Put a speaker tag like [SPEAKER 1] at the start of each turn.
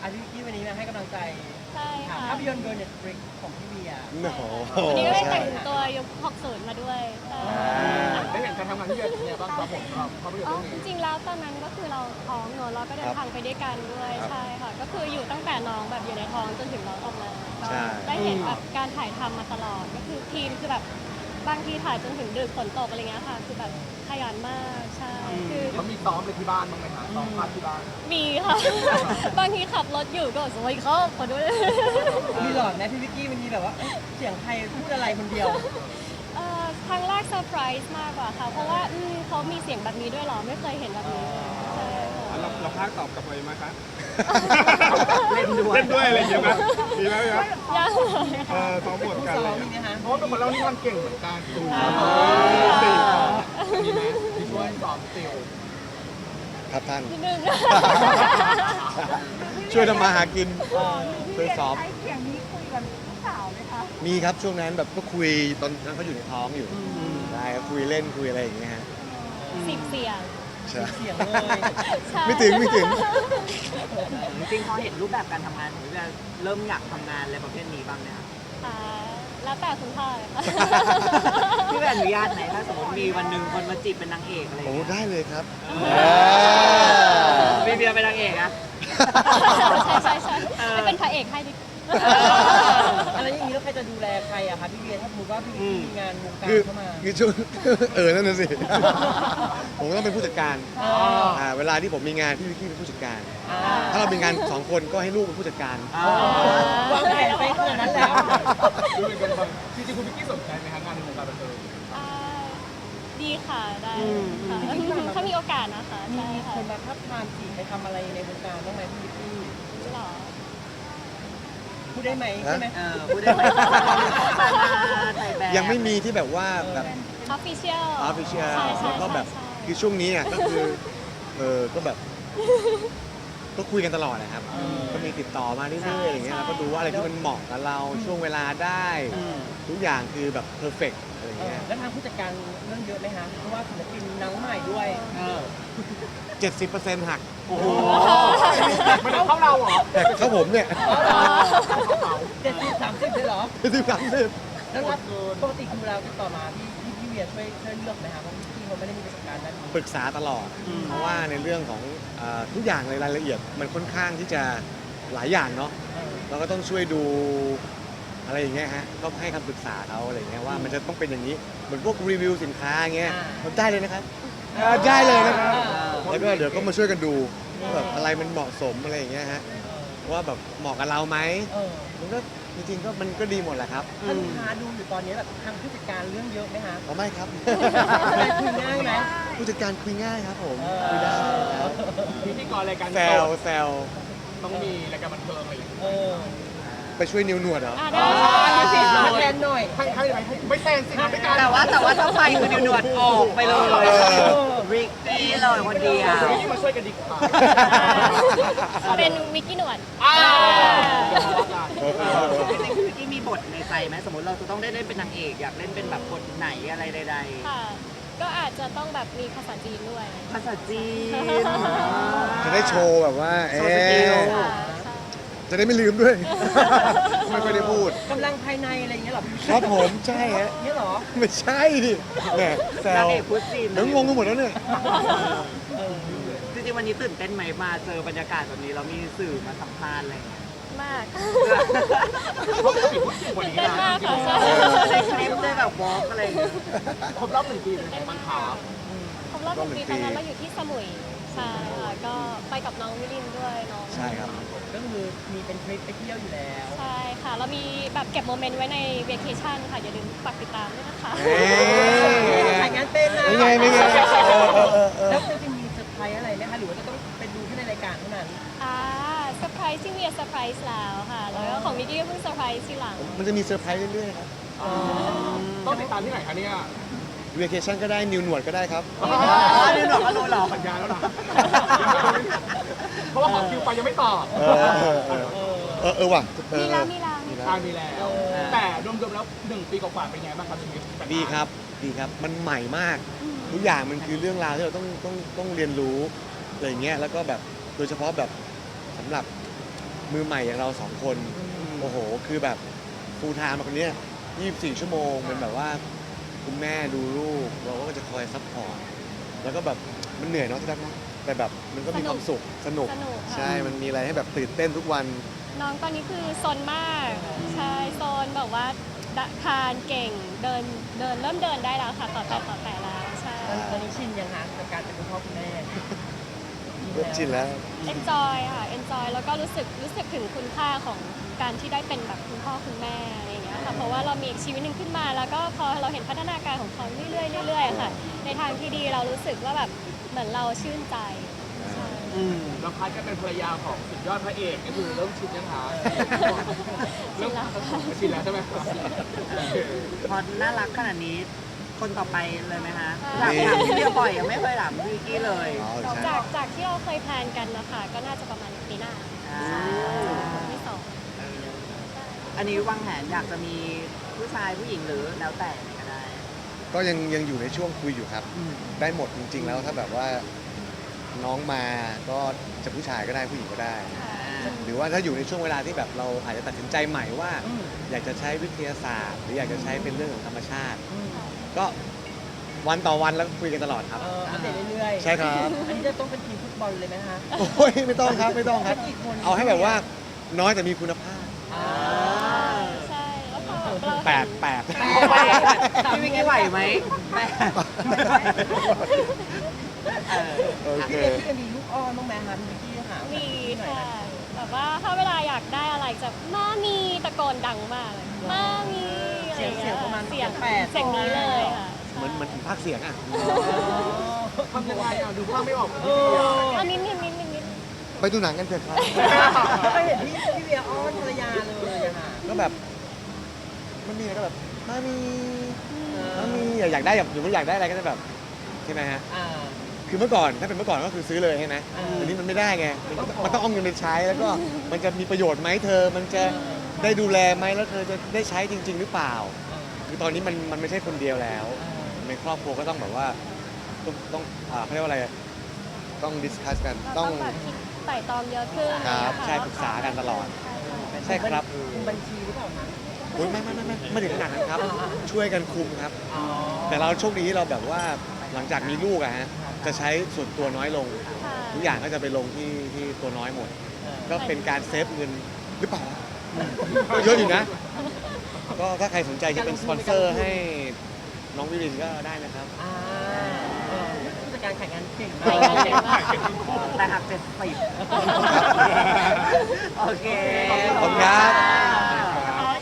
[SPEAKER 1] อาทิตย์ที่วันนี้มาให้กำลังใจ
[SPEAKER 2] ใช่ค่ะ
[SPEAKER 1] ภาพยนตร์เกิร์ลเน็ตฟลิกของพี่เบียร์
[SPEAKER 3] โอ้โห
[SPEAKER 2] วันนี้ก็ได้
[SPEAKER 3] ใช่
[SPEAKER 2] แต่งตัวยุค60มาด้วยใช่
[SPEAKER 4] ได้เห็นการทำงานที่เป็นยังไงบ้างครับผมครับภาพยนตร์
[SPEAKER 2] อ๋อ
[SPEAKER 4] เรื่อง
[SPEAKER 2] จ
[SPEAKER 4] นี้
[SPEAKER 2] ริงๆแล้วตอนนั้นก็คือเราท้องเนอะเราก็เดินทางไปด้วยกันด้วยใช่ค่ะก็คืออยู่ตั้งแต่น้องแบบอยู่ในท้องจนถึงน้องออกมาก็
[SPEAKER 3] ใช่
[SPEAKER 2] ได้เห็นแบบการถ่ายทำมาตลอดก็คือทีมคือแบบบางทีถ่ายจนถึงดึกฝนตกอะไรเงี้ยค่ะคือแบบขยันมากใช่คือ
[SPEAKER 4] เขามีซ้อมเลยที่บ้านบ้างไหมคะซ้อมภาพที่บ้าน
[SPEAKER 2] มีค่ะ บางทีขับรถอยู่ก็สวัสดีครับขอด้วย
[SPEAKER 1] มีหลอดไหมพี่วิกกี้มันมีแบบว่าเสียงใครพูดอะไรคนเดียว
[SPEAKER 2] ครั้งแรกเซอร์ไพรส์มากกว่าค่ะ เพราะว่าเขามีเสียงแบบนี้ด้วยเหรอ ไม่เคยเห็นแบบนี้ใช่ค่ะ
[SPEAKER 4] เราพากตอบกลับไปไหมคะ
[SPEAKER 1] เล่นด้วย
[SPEAKER 4] เล่นด้วยอะไรอย่างเงี้ยไหมมีไหมครับ
[SPEAKER 2] ยังเลยค่ะ
[SPEAKER 4] ซ้อมบทกัน
[SPEAKER 1] ซ้
[SPEAKER 4] เล
[SPEAKER 1] อม
[SPEAKER 4] ย
[SPEAKER 1] มีไหมคะ
[SPEAKER 4] เพราะว่าเป็นคนเล่านิทานเก่งเหมือนกันมีไหมที่ช่วยสอนติว
[SPEAKER 3] ครับท่าน
[SPEAKER 2] นิดนึง
[SPEAKER 3] ช่วยทำมาหากินช่วยซ้อม
[SPEAKER 5] ใช้เสียงนี้คุยกับลูกสาวไหมคะ
[SPEAKER 3] มีครับช่วงนั้นแบบก็คุยตอนนั้นเขาอยู่ในท้องอยู่ใช่คุยเล่นคุยอะไรอย่างเงี้ยฮะ
[SPEAKER 2] 10 เสียง
[SPEAKER 3] ใช่
[SPEAKER 1] เสียงเลย
[SPEAKER 2] ใช่
[SPEAKER 3] ไม่ถึงไม่ถึง
[SPEAKER 6] จริงๆพอเห็นรูปแบบการทำงานผมจะเริ่มอยากทำงานอะไรประเภทนี้บ้างเนี่ย
[SPEAKER 2] ค่ะแล้วแต่คุณพ่อเลยค่ะ
[SPEAKER 6] พี่แบบอนุญาตไหมถ้าสมมติมีวันหนึ่งคนมาจีบเป็นนางเอกอะไรอย่าง
[SPEAKER 3] โอ้
[SPEAKER 6] เงี้ย
[SPEAKER 3] ได้เลยครับ
[SPEAKER 6] มีเบียร์เป็นนางเอกอะ
[SPEAKER 2] ใช่ไม่เป็นพระเอกให้ดิ
[SPEAKER 1] อะไรอย่างนี้แล้วใครจะดูแลใครอะคะพี่เบียร์ถ้าสมมติว่าพี่วิกกี้มีงานวงการ
[SPEAKER 3] คือ
[SPEAKER 1] เข้ามา
[SPEAKER 3] คือช่วง นั่นน่ะสิ ผมก็ต้องเป็นผู้จัดการ เวลาที่ผมมีงานพี่วิกกี้เป็นผู้จัดการ ถ้าเรามีงานสองคนก็ให้ลูกเป็นผู้จัดการ
[SPEAKER 1] วางแผนไปขนาดนั้นแล้ว
[SPEAKER 4] ดูเป็นคนฟังจริงๆคุณพิกกี้สนใจไหมคะงานในวงการบันเทิง
[SPEAKER 2] ดีค่ะได้ค่ะถ้ามีโอกาสนะคะ
[SPEAKER 1] มี
[SPEAKER 2] ใช่ค่ะ
[SPEAKER 1] คนมาทับทามจีบไปทำอะไรในวงการบ้างไหมพี่วิกกี้
[SPEAKER 2] หรอ
[SPEAKER 1] พูดได้ไหมใช่ไหม
[SPEAKER 6] พูดได้ไหมถ่ายแบบ
[SPEAKER 3] ยังไม่มีที่แบบว่าแบบ
[SPEAKER 2] official
[SPEAKER 3] ออฟฟิเชียล
[SPEAKER 2] ใช่
[SPEAKER 3] แล้วก็แบบ
[SPEAKER 2] ใช่
[SPEAKER 3] คือช่วงนี้อ่ะก็คือก็แบบ ก็คุยกันตลอดนะครับ ก็มีติดต่อมาเรื่อยๆอย่างเงี้ยแล้วก็ดูว่าอะไรที่มันเหมาะกับเราช่วงเวลาได้ ทุกอย่างคือแบบเพอร์เฟกต์อะไรเงี้ย
[SPEAKER 1] แล้วทางผู้จัดการเรื่องเยอะไหมคะเพราะว่าศิลปินน้องใหม่ด้วย
[SPEAKER 3] 70%หัก
[SPEAKER 4] โอ้โหมันเข้าเราเหรอ
[SPEAKER 3] แต่เข้าผมเนี่ย
[SPEAKER 1] 70-30เลยเหรอ
[SPEAKER 3] 70-30
[SPEAKER 1] แล้วรับปกติคือเราติดต่อมาพี่เวียช่วยเลือกไหมคะเพราะพี่เขาไม่ได้มีประสบการณ์ด้านนี้
[SPEAKER 3] ปรึกษาตลอด เพราะว่าในเรื่องของทุกอย่างในรายละเอียดมันค่อนข้างที่จะหลายอย่างเนาะเราก็ต้องช่วยดูอะไรอย่างเงี้ยฮะก็ให้คำปรึกษาเขาอะไรเงี้ยว่ามันจะต้องเป็นอย่างนี้เหมือนพวกรีวิวสินค้าเงี้ยเราได้เลยนะครับได้เลยนะครับแล้วก็เดี๋ยวก็มาช่วยกันดูว่าแบบอะไรมันเหมาะสมอะไรอย่างเงี้ยฮะว่าแบบเหมาะกับเราไหมมันก็จริงๆก็มันก็ดีหมดแหละครับ
[SPEAKER 1] ถ้าลูกค้าดูอยู่ตอนนี้แบบทางผู้จัดการเรื่องเยอะไหมคะ
[SPEAKER 3] อ๋อไม่ครับ
[SPEAKER 1] คุยง่ายไหม
[SPEAKER 3] ผู้จัดการคุยง่ายครับผมคุยได้ครับ
[SPEAKER 4] พิธีกรรายการ
[SPEAKER 3] แซวแซว
[SPEAKER 4] ต้องมีรายการบันเทิงอะไรอย่างเงี้ย
[SPEAKER 3] ไปช่วยนิ้วหนวดเหรอ
[SPEAKER 2] ได้
[SPEAKER 1] มาแทนหน่อย
[SPEAKER 4] ให้ไม่แทนสิไม่การ
[SPEAKER 6] แต่ว่าถ้าไปคือนิวหนวดออกไปเลยริกกี้เลยคนเดียว
[SPEAKER 4] นี่มาช่วยกันดีกว่า
[SPEAKER 2] เป็นวิกกี้หนวด
[SPEAKER 6] จริงๆวิกกี้มีบทในใจไหมสมมติเราจะต้องได้เล่นเป็นนางเอกอยากเล่นเป็นแบบบทไหนอะไรใด
[SPEAKER 2] ค่ะ ก็อาจจะต้องแบบมีภาษาจีนด้วย
[SPEAKER 6] ๆภาษาจีน
[SPEAKER 3] จะได้โชว์แบบว่า
[SPEAKER 6] โชว์สกิล
[SPEAKER 2] ค่ะ
[SPEAKER 3] จะได้ไม่ลืมด้วย ไม่ค่อยได้พูด
[SPEAKER 1] กำลังภายในอะไรอย่างเงี้ยหรอพี่
[SPEAKER 3] ครับผมใช่ฮะ
[SPEAKER 1] เงี้ยหรอ
[SPEAKER 3] ไม่ใช่ดิแหมแซ
[SPEAKER 6] นาง
[SPEAKER 3] ว
[SPEAKER 6] เอกพูดจีน
[SPEAKER 3] เดี๋ยวงงกันหมดแล้วเนี่ย
[SPEAKER 6] จริงๆวันนี้ตื่นเต้นไหมมาเจอบรรยากาศแบบนี้เรามีสื่อมาสัมภาษณ์อะไรอย่างเงี้ย
[SPEAKER 2] มาก
[SPEAKER 4] ปกติพูดจริงกว่านี้
[SPEAKER 2] เต้น
[SPEAKER 4] นะ
[SPEAKER 2] มากค่ะใช่
[SPEAKER 6] ได้คลิปได้แบบวอล์กอะไรอย่างเงี้ย
[SPEAKER 4] ครบรอบ1 ปีเป็นไงบ้างครับ
[SPEAKER 2] ครบรอบ1 ปีตอนนั้นเราอยู่ที่สมุยใช่ค่ะก็ไปกับน้องวิลินด้วยน้อง
[SPEAKER 3] ใช่ครับ
[SPEAKER 1] ก็คือมีเป็นทริปไปเที่ยวอยู่แล้ว
[SPEAKER 2] ใช่ค่ะ เรามีแบบเก็บโมเมนต์ไว้ในเวเคชั่นค่ะ อย่าลืมฝากติดตามด้วยนะคะ
[SPEAKER 3] เอ๊ะ
[SPEAKER 1] ถ่ายงานเป็นนะ
[SPEAKER 3] ไม่ไงไม่ไง
[SPEAKER 1] แล้วจะมีเซอร์ไพรส์อะไรไหมคะหรือว่าจะต้องไปดูที่ในรายการเท่านั้น
[SPEAKER 2] เซอร์ไพรส์ที่เมียเซอร์ไพรส์แล้วค่ะ แล้วก็ของมิกกี้ก็เพิ่งเซอร์ไพรส์ทีหลัง
[SPEAKER 3] มันจะมีเซอร์ไพรส์เรื่อยๆครับ
[SPEAKER 4] ต้องติดตามที่ไหนคะเนี่ย
[SPEAKER 3] เวเคชั่นก็ได้นิวหนวดก็ได้ครับ
[SPEAKER 6] นิวหนวดก็รู้หรอ
[SPEAKER 4] สัญญาแล้วนะเพราะว่าขอคิวไปยังไม่ตอบ
[SPEAKER 3] ว่ะ
[SPEAKER 2] มีแล้ว
[SPEAKER 4] มีแล้ว แต่รวมๆแล้ว1 ปีกว่าๆเป็นไงบ้างครับชีวิต
[SPEAKER 3] ดีครับดีครับมันใหม่มาก ทุกอย่างมันคือเรื่องราวที่เราต้องเรียนรู้อะไรอย่างเงี้ยแล้วก็แบบโดยเฉพาะแบบสำหรับมือใหม่อย่างเรา2 คนโอ้โหคือแบบฟูลไทม์คนเนี้ย24 ชั่วโมงเป็นแบบว่าคุณแม่ดูลูกเราก็จะคอยซัพพอร์ตแล้วก็แบบมันเหนื่อยเนาะที่รักเนาะแต่แบบมันก็มีความสุขสนุก
[SPEAKER 2] สนุกค่ะ
[SPEAKER 3] ใช่มันมีอะไรให้แบบตื่นเต้นทุกวัน
[SPEAKER 2] น้องตอนนี้คือซนมาก ใช่ซนแบบว่าคลานเก่งเดินเริ่มเดินได้แล้วค่ะต่อแต่แล้วใช่
[SPEAKER 1] ตอนนี้ชินยังคะกับการเป็นคุณพ่อคุณแม่
[SPEAKER 3] เริ่มชินแล้ว
[SPEAKER 2] enjoy ค่ะ enjoy แล้วก็รู้สึกถึงคุณค่าของการที่ได้เป็นแบบคุณพ่อคุณแม่อะไรอย่างเงี้ยค่ะเพราะว่าเรามีอีกชีวิตหนึ่งขึ้นมา แล้วก็พอเราเห็นพัฒนาการของเขาเรื่อยๆค่ะในทางที่ดีเรารู้สึกว่าแบบเหมือนเราชื่นใจใช่
[SPEAKER 4] แล้วพัดก็เป็นภรรยาของสุดยอดพระเอกก็คือเริ่มชินยังคะเริ่มชินแล้วใช่ไหมครับ
[SPEAKER 6] พอน่ารักขนาดนี้คนต่อไปเลยไหมคะถามพี่เบียร์บ่อยยังไม่เคยถามพี่วิกกี้เลย
[SPEAKER 3] อ๋อใช่
[SPEAKER 2] จากที่เราเคยแพลนกันนะคะก็น่าจะประมาณปีหน้า
[SPEAKER 6] อ่า
[SPEAKER 2] คนที่สอง
[SPEAKER 6] อันนี้วางแผนอยากจะมีผู้ชายผู้หญิงหรือแล้วแต่ก็ได้
[SPEAKER 3] ก็ยังอยู่ในช่วงคุยอยู่ครับ ได้หมดจริงๆแล้วถ้าแบบว่าน้องมาก็จะผู้ชายก็ได้ผู้หญิงก็ได้ หรือว่าถ้าอยู่ในช่วงเวลาที่แบบเราอาจจะตัดสินใจใหม่ว่า อยากจะใช้วิทยาศาสตร์ หรืออยากจะใช้เป็นเรื่องของธรรมชาติ ก็วันต่อวันแล้วคุยกันตลอดครับ
[SPEAKER 1] อัปเดตเรื่อยๆ
[SPEAKER 3] ใช่ครับ
[SPEAKER 1] อันนี้จะต้องเป็นทีมฟุตบอลเลยไหมคะ
[SPEAKER 3] โอ้ยไม่ต้องครับไม่ต้องครับ
[SPEAKER 1] กี่คน
[SPEAKER 3] เอาให้แบบว่าน้อยแต่มีคุณภาพ
[SPEAKER 1] อ่า
[SPEAKER 2] ใช่แล้วพอเรา
[SPEAKER 3] แป
[SPEAKER 2] เห็
[SPEAKER 3] ด
[SPEAKER 2] น
[SPEAKER 3] แปด
[SPEAKER 6] พี่วิกกี้ไหวไหมแม่
[SPEAKER 3] โอเค
[SPEAKER 1] พี่เอ็มมีลูกอ้อนบ้างไหมคะพี่วิกกี้ค่ะ
[SPEAKER 2] มีค่ะแบบว่าถ้าเวลาอยากได้อะไรจะมามีตะโกนดังมากเลยมามีอะไรอย่าง
[SPEAKER 1] เสี
[SPEAKER 2] เงี้
[SPEAKER 1] ย
[SPEAKER 2] ย
[SPEAKER 1] งประมาณ
[SPEAKER 2] เสียง
[SPEAKER 1] 8
[SPEAKER 2] เสียงนี้เลยค่ะ
[SPEAKER 3] เหมือนภาคเสียงอ่ะ
[SPEAKER 4] ทำยังไงอ่ะดูภาพไม่ออก
[SPEAKER 1] เออ
[SPEAKER 2] อันนี้นิด
[SPEAKER 3] ไปดูหนังกันเถอะครับ
[SPEAKER 1] ก็เห็นพี่เวียอ้อนภรรยาเลยอะค่ะ
[SPEAKER 3] ก็แบบมันมีอะไรก็แบบมามีอยากได้แบบหรือว่าอยากได้อะไรก็จะแบบใช่ไหมฮะ
[SPEAKER 1] อ่า
[SPEAKER 3] คือเมื่อก่อนถ้าเป็นเมื่อก่อนก็คือซื้อเลยใช่ไหม
[SPEAKER 1] อ่า
[SPEAKER 3] ทีนี้มันไม่ได้ไงมันต้องเอาเงินไปใช้แล้วก็มันจะมีประโยชน์ไหมเธอ มันจะได้ดูแลไหมแล้วเธอจะได้ใช้จริง ๆ หรือเปล่า คือตอนนี้มันไม่ใช่คนเดียวแล้วในครอบครัวก็ต้องแบบว่าต้องเขาเรียกว่าอะไรต้องดิสคัสกัน
[SPEAKER 2] ๆ
[SPEAKER 3] ต้
[SPEAKER 2] ต้
[SPEAKER 3] อ
[SPEAKER 2] อง งแบบคิดไต่ตองเยอะขึ้น
[SPEAKER 3] ครับ
[SPEAKER 2] นะะ
[SPEAKER 3] ใช่ปรึกษากันตลอด
[SPEAKER 2] ใช่
[SPEAKER 3] ใช่ครับ
[SPEAKER 1] คุมบัญชีหรือเปล่าคะ
[SPEAKER 3] โอ้ยไม่ถึงขนาดนั้นครับ ช่วยกันคุมครับ
[SPEAKER 1] อ๋อ
[SPEAKER 3] แต่เราโชคดีที่เราแบบว่าหลังจากมีลูกอะฮะจะใช้ส่วนตัวน้อยลง
[SPEAKER 2] ค่ะ
[SPEAKER 3] ทุกอย่างก็จะไปลงที่ตัวน้อยหมด ก็เป็นการเซฟเงินหรือเปล่าก็เยอะอยู่นะ ก็ถ้าใครสนใจจะเป็นสปอนเซอร์ให้น้องวิรินก็ได้นะครับ
[SPEAKER 1] อ่าผู้จัดการขายงานเก่งมา
[SPEAKER 2] ขายงานเก่งมาก
[SPEAKER 6] แต่หัก70โอเค
[SPEAKER 3] ขอบคุณครับ